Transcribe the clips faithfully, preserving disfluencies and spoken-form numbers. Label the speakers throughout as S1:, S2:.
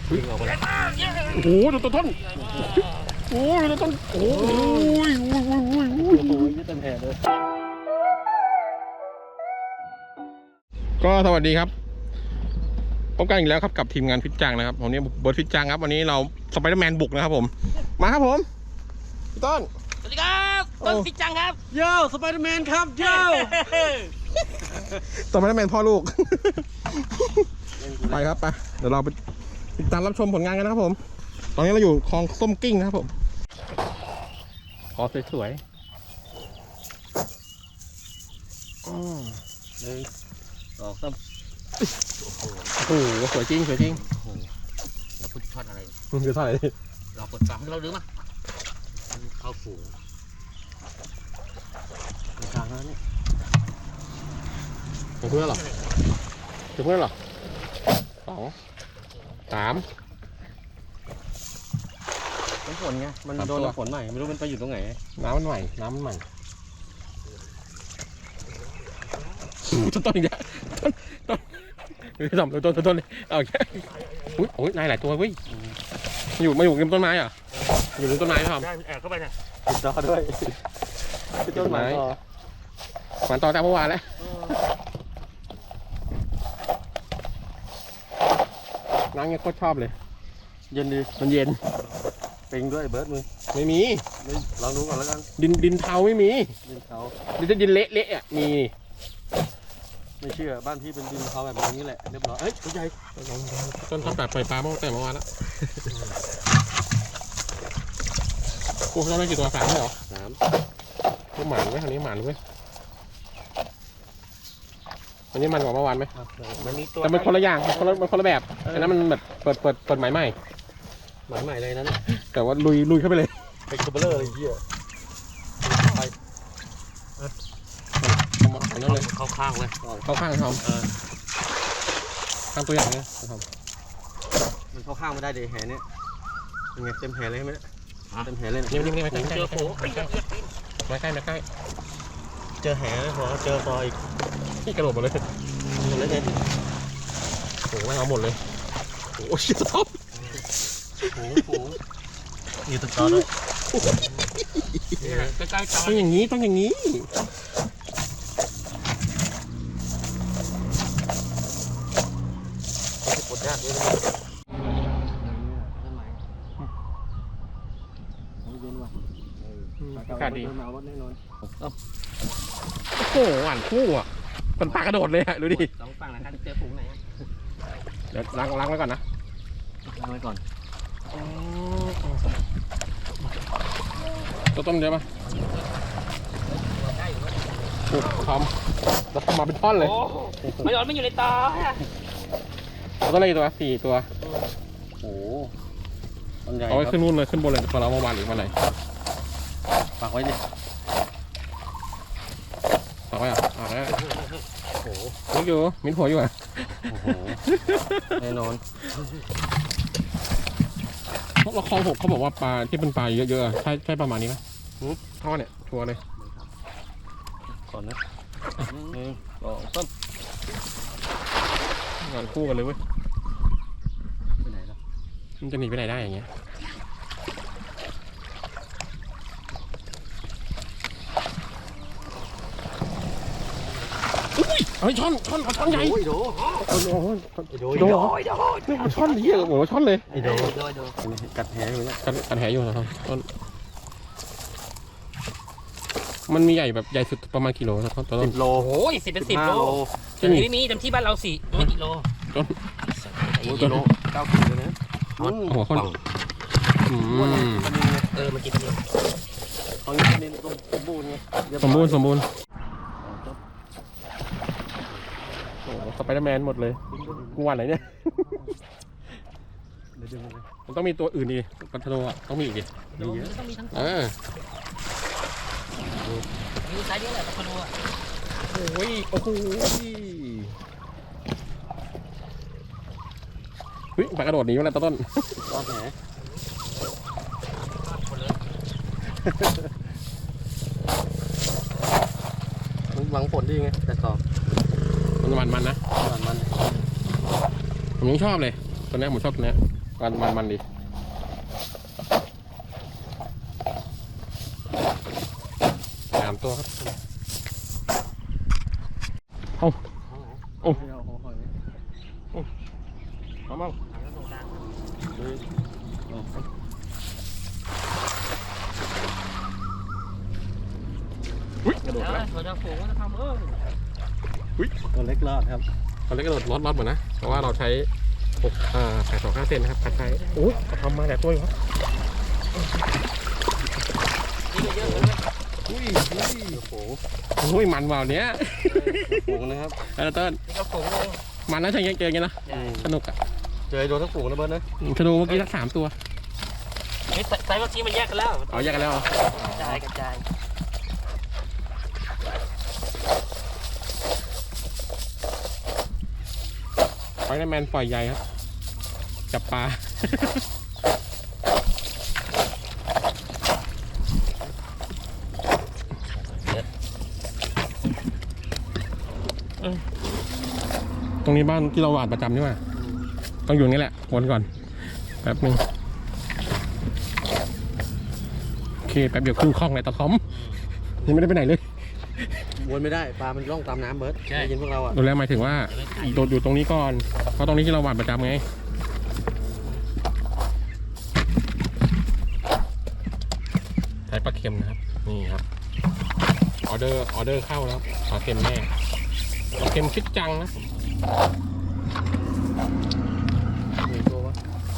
S1: วิ่งออกไปแล้ว
S2: โอ้โหดูตัวต้นโอ้ยตัวต้นโอ้ยโอ้ยโอ้ยโอ้ยโอ้ย
S1: โอ้ยเต็มแผลเลย
S2: ก็สวัสดีครับพบกันอีกแล้วครับกับทีมงานฟิตจังนะครับวันนี้เบิร์ดฟิตจังครับวันนี้เราสไปเดอร์แมนบุกนะครับผมมาครับผมพี่ต้น
S3: สวัสดีครับต้นฟิตจังครับ
S1: โย่สไปเดอร์แมนครับโย่
S2: สไปเดอร์แมนพ่อลูกไปครับไปเดี๋ยวเราไปติดตามรับชมผลงานกันนะครับผมตอนนี้เราอยู่คลองส้มกิ้งนะครับผมขอสวยๆ
S1: หนึ่งสองสาม
S2: โอ้โหสวยจริงสวยจริง
S3: เราพูดทอดอะไร
S2: มันคือเท่าไหร่
S3: เราปลดปลั๊กเราดื้อมาเข้าฝูง
S1: ทางนั้นนี่
S2: ถึงเพื่อนหรอถึงเพื่อนหรอสองสาม
S1: น้ำฝนไงมันโดนน้ำฝนใหม่ไม่รู้มันไปอยู่ตรงไหน
S2: น้ำมันใหม่น้ำมันใหม่ต้นต้นอีกแล้วต้นต้นต้นต้นต้นต้นเอาแค่อุ้ยโอ้ยนายหลายตัวเว้ยอยู่มาอยู่ริมต้นไม้อ่ะอยู่ริมต้นไม้ครับ
S3: ได้แอบเข้าไปเนี่ย
S1: ติดต่อด้วยติดต้นไม้
S2: หวานต่อจากเมื่อวานแล้วน้ำเงี้ยโคตรชอบเลย
S1: เย็นดี
S2: มันเย็น
S1: ปิงด้วยเบิร์ดมึง
S2: ไม่มี
S1: ลองดูก่อนแล้วกัน
S2: ดินดินเทาไม่มี
S1: ดินเทา
S2: ดินดินเละเละอ่ะมี
S1: ไม่เชื่อบ้านพี่เป็นดินเทาแบบนี้แหละเรียบร้อยเฮ้ยตัวใหญ่
S2: ต้นต้นแบบปล่อยปลาเมื่อแต่เมื่อวานแล้วโอ้ต้นได้กี่ตัวสามเหรอ
S1: สาม
S2: ก็หมานไว้คราวนี้หมานเว้ยอันนี้มันกว่าเมื่อวานไหมแต่มันคนละอย่างคนละมันคนละแบบอันนั้นมันแบบเปิดเปิดเปิดหมายใหม่
S1: หมายใหม่เลยนั้น
S2: แต่ว่าลุยลุยเข้าไปเลย
S1: เป็นคับเบอร์เลอร์อะไรเงี้ยไป
S3: เข้าข้างเลย
S2: เข้าข้างทอมข้างตัวอย่างเนี้ยทอม
S1: มันเข้าข้างไม่ได้เดี๋ยวแหเนี่ยยังไงเต็มแหเลยใช่ไหมเต็มแหเลย
S2: นี่นี่นี่ไม่ใกล้เจอโผล่ไม่ใกล้ไม่ใกล้
S1: เจอแหเลยพอเจอซอย
S2: นี่กระโดดหมดเลย
S1: หมดเลยเนี่ย
S2: โอ้โหเอาหมดเลยโอ้ชิบท็อป
S1: โอ้โหมีตึกต่อด้วย
S3: ใกล้ๆ
S2: ต้องอย่างนี้ต้องอย่างนี้
S1: ปวดยากเลย
S2: อากาศดี
S1: หนาวแน่นอน
S2: โอ้โหหวานคู่อ่ะมันปลากระโดดเลยฮะดูดิ
S3: สองฝั่งนะครับเจอฝูงไหน
S2: เดี๋ยวล้างล้างไว้ก่อนนะ
S1: ล้างไว้ก่อน
S2: ตัวต้มเยอะป่ะโอ้ทำแล้วทำมาเป็นท่อนเลย
S3: ไม่ยอมไม่อยู่ในตา
S2: เราต้องเล่นตัวสี่ตัว
S1: โอ้ต้นใหญ่
S2: เอาไว้ขึ้นนู่นเลยขึ้นบนเลยพอเราเมื่อวานหรือวันไหน
S1: ฝากไว้ดิ
S2: ฝากไว้อ่ะฝากไว้โอ้โหมิดอยู่มิดหัวอยู่อ่ะ
S1: โอ้โหแน่นอน
S2: พวกเราคลองหกเขาบอกว่าปลาที่เป็นปลาเยอะๆใช่ใช่ประมาณนี้ไหมท่อเนี่ยชัวร์เลย
S1: ก่อนนะหนึ่งสองสาม
S2: งานคู่กันเลยเว้ย
S1: ไปไหนล่ะ
S2: มันจะหนีไปไหนได้อย่างเงี้ยอุ้ยเฮ้ยช่อนช่อนช่อนใหญ่
S1: โอ้ยโด
S2: โอ้โห
S1: โด
S2: โดโดช่อนเยอะโอ้โหช่อนเลย
S1: โดโดโดกัดแหอยู่เนี่ย
S2: กัดกัดแหอยู่นะครับต้นมันมีใหญ่แบบใหญ่สุดประมาณกิโลนะต้น
S1: สิบโล
S3: โอ้ยสิบเป็นสิบโลจะมีมีจำที่บ้านเราสี่ไม่กิโล
S2: ต้น
S1: กิโลเก้ากิโลนะ
S2: โอ้โหคนอืม
S3: เออมันกินกัน
S1: ตอนนี้นี่สมบูรณ์ไง
S2: สมบูรณ์สมบูรณ์โอ้สไปเดอร์แมนหมดเลยกูวันไหนเนี่ยมันต้องมีตัวอื่นดิปัทโนอ่ะต้องมีอีกดิ
S3: มีเยอะต้องมีทั้งตัว
S2: เออ
S3: มีไซส์เดียวแหละปัทโนอ่ะ
S2: โอ้ยโอ้โหเฮ้ยปลากระโดดหนีมาแล้วต้น
S1: ต้นแหมันหวังผลดีไงแต่สอบ
S2: มันมันมันนะ
S1: มันมัน
S2: ผมยังชอบเลยตัวนี้ผมชอบตัวนี้มันมันมันดิสามตัวครับเอาโอ้เอามั่งอุ้ยกระโดด
S3: แล้ว
S2: แล้ว
S3: ตัวจะฝูงจะทำเออ
S1: ตัวเล็กรอดครับ
S2: ตอนแรกกระโดดรอดรอดหมดนะเพราะว่าเราใช้หกอ่าแปดสองห้าเซนนะครับคัดใช้โอ้ยทำมาแต่ตัวอยู่ครับ
S3: นี่เยอะเลย
S1: อุ้ยอุ้ยโอ้โห
S2: โอ้ยมันว่าวเนี้ย
S1: ฝูงนะครับ
S2: เออเติ้ล
S3: นี่ก็ฝูงเลย
S2: มันนะใช่ยังเจอกันนะสนุกอ่ะ
S1: เจอโดนทั้งฝูงนะเบิร์ดนะ
S2: ธนูเมื่อกี้สักสามตัว
S3: นี่ไซส์เมื่อกี้มันแยกกันแล้ว
S2: เอาแยกกันแล้วเหรอก
S3: ระจายกระจาย
S2: ไฟแมนปล่อยใหญ่ครับจับปลา ตรงนี้บ้านที่เราหวาดประจำใช่ไหมต้องอยู่นี่แหละวนก่อนแป๊บนึงโอเคแป๊บเดียวครึ่งคล่องเลยตะคอมยังไม่ได้ไปไหนเลย
S1: วนไม่ได้ปลามันล่องตามน้ำเบิร์ดได้ยินพวกเราอ่ะ
S2: ดูแลหมายถึงว่าโดดอยู่ตรงนี้ก่อนเพราะตรงนี้ที่เราหวาดประจำไงใช้ปลาเค็มนะครับนี่ครับออเดอร์ออเดอร์เข้าแล้วปลาเค็มแม่ปลาเค็มชิดจังนะ
S1: หนึ่งตัววะ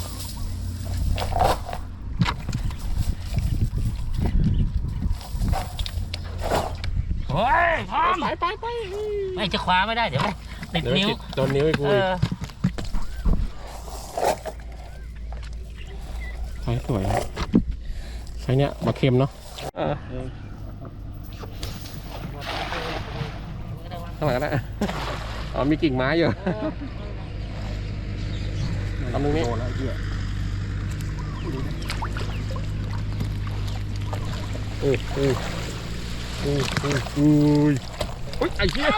S3: โอ้ยพร้อม
S2: ไปไปไป
S3: ไม่จะคว้าไม่ได้เดี๋ยวไม่ติด
S2: เดี๋ยว
S3: นิ้ว
S2: ติดโดนนิ้วไอ้กู
S3: เออ
S2: ใช้สวยครับใช้เนี้ยปลาเค็มเนาะข้างหลังก็ได้อ๋อมีกิ่งไม้อยู่ทำตรงนี้
S1: โดนแล้วไอ้เหี้ย
S2: อุ้ยอุ้ยอุ้ยอุ้ยอุ้ยอุ้ยไอ้เหี้ย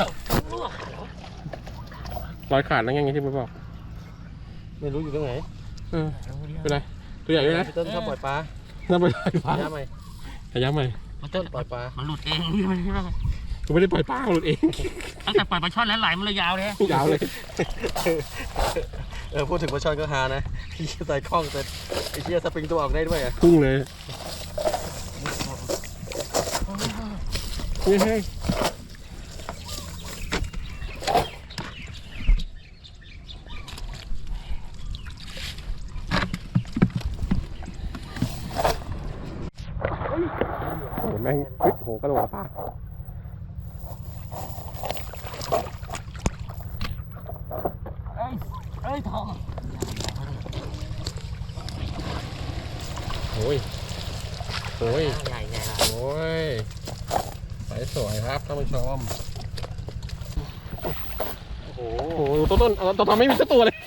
S2: รอยขาดแล้วไงที่พี่บอก
S1: ไม่รู้อยู่ตรงไหน
S2: เออเป็นไรตัวใหญ่ด้วยนะ
S1: พี่ต้นชอบปล่อยปลา
S2: น่าไปปล่อยปลา
S1: ย่าไหม
S2: ขย้ำไหม
S3: มันต้น
S1: ปล่อยปลา
S3: มันหลุดเองนี่มัน
S2: กูไม่ได้ปล่อยปลาหลุดเอง
S3: ตั้งแต่ปล่อยปลาช่อนแล้วไหลมันเลยยาวเลย
S2: ยาวเลย
S1: เออพูดถึงปลาช่อนก็ฮานะไอ้เหี้ยใส่คล้องแต่ไอ้เหี้ยสปริงตัวออกได้ด้วยอ่ะ
S2: พุ่งเลยเฮ้ยเฮ้ยโอ้แม่งเฮ้ยโหกระโดดปลา
S3: เอ้ยเอ้ยทอง
S2: โอ้ยโอ้ย
S3: ใหญ่ใหญ่ละ
S2: โอ้ยสายสวยครับท่านผู้ชม
S1: โอ้โห
S2: โอ้โหต้นต้นต้นต้นไม่มีสักตัวเลย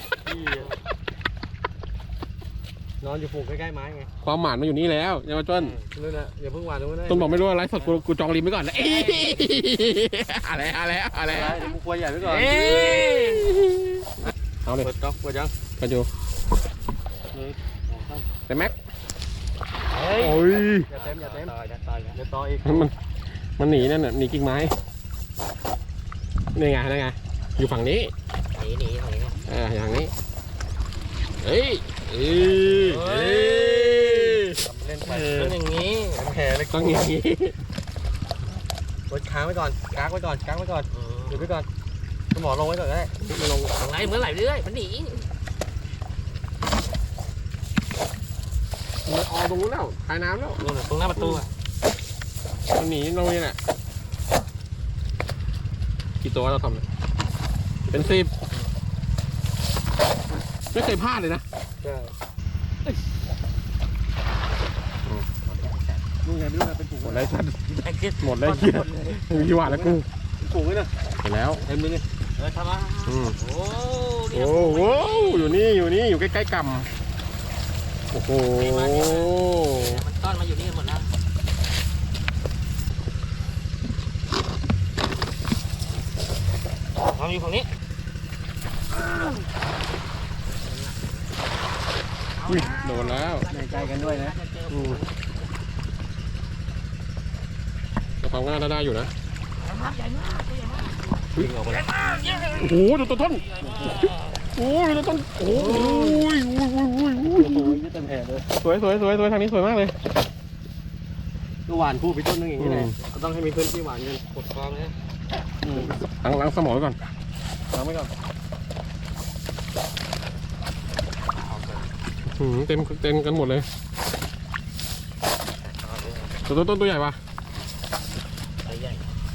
S1: นอนอยู่ฝูงใกล้ๆไม้ไง
S2: ความหมานมาอยู่นี่แล้วอย่ามาต้น
S1: นู่นน่ะอย่าเพิ่งหวานตรงนั้นนะ
S2: ต้นบอกไม่รู้อะไรสดกูกูจองริมไว้ก่อนนะเอ้ยอะไรอะไรอะไร
S1: อะไรเดี๋ยวกูกลัวใหญ่ไว้ก่อน
S3: เอ้ย
S2: เอาเลย
S1: เปิดก๊อกเปิดยัง
S2: กันอยู่
S1: หนึ่งสองสาม
S2: แต่แม็ก
S3: เฮ้ย
S2: โอ้ย
S1: อย่าเต็มอย่าเต็ม
S3: ต่อยต่อย
S1: เดี๋ยวต่ออีก
S2: มันมันหนีนั่นน่ะหนีกิ่งไม้นี่ไงนี่ไงอยู่ฝั่งนี้
S3: หนีหนีหนี
S2: อ่าอย่างนี้เฮ้ยเอ้ยเอ้ย
S1: ทำเล่นไป
S3: เป็นอย่างนี้
S1: เป็นแผลเลย
S2: ต้องอย่างนี้
S1: กดค้างไว้ก่อนกักไว้ก่อนกักไว้ก่อนหยุดไว้ก่อนสมอลงไว้ก่อนก็ได้
S2: มาลง
S3: ไหลเหมือนไหลเรื่อยมันหนี
S2: มันออกตรงนู้นแล้วคายน้ำแล้ว
S3: นู่นน่ะตรงหน้าประตูอ่ะ
S2: มันหนีลงนี่แหละกี่ตัวเราทำเนี่ยเป็นสิบไม่เคยพลาดเลยนะ
S1: ใช่มึงไงไม่รู้นะเป็นฝูง
S2: หมดแล้วสัตว์
S3: ไอ้คิด
S2: หมดแล้วเหี้ยมีกี่วันแล้วกู
S1: ฝูงไว้นะ
S2: เห็นแล้ว
S1: เต็มเลยนี่
S3: เออทำมา
S2: อืม
S3: โอ้เนี่
S2: โอ้
S3: ย
S2: โหอยู่นี่อยู่นี่อยู่ใกล้ๆกำโอ้โห
S3: มันต้อนมาอยู่นี่หมดแล้วทำอยู่ฝั่งนี้
S2: อุ้ยโดนแล้ว
S1: ในใจกันด้วยนะ
S2: อืมแต่ความง่ายได้อยู่นะ
S1: วิ่งออกไปแล้ว
S2: โอ้โหดูตัวต้นโอ้ยดูตัวต้นโอ้ยโอ้ยโอ้ยโอ้ยโอ้ย
S1: โอ้ยเต็มแผลเลย
S2: สวยสวยสวยสวยทางนี้สวยมากเลย
S1: ก็หวานคู่ไปต้นนึงอย่างนี้แหละ
S2: อืม
S1: ก็ต้องให้มีพื้นที่หวานกันกดคลองนะ
S2: ล้างล้างสมองไว้ก่อนล้างไว้ก่อนหืมเต็มเต็มกันหมดเลยตัวต้นต้นตัวใหญ่ปะ
S3: ใหญ่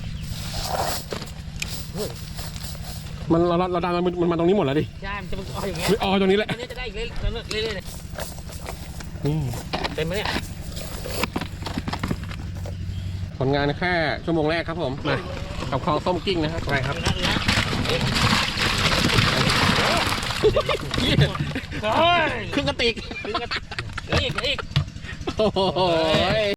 S2: มันเราเราดันมันมันมาตรงนี้หมดแล้วดิ
S3: ใช่มันจะมันออกอย่างเงี้ย
S2: ไม่อ๋อตรงนี้แหละ
S3: อันนี้จะได้อีกเรื่อยๆเรื่อยๆเลย
S2: นี่
S3: เต็มไหมเนี่ย
S2: ผลงานแค่ชั่วโมงแรกครับผมมากับคลองส้มกิ้งนะครับไปครับ
S3: นะนะ
S2: ครึ่งกระติก
S3: อีกอีก
S2: โอ้โห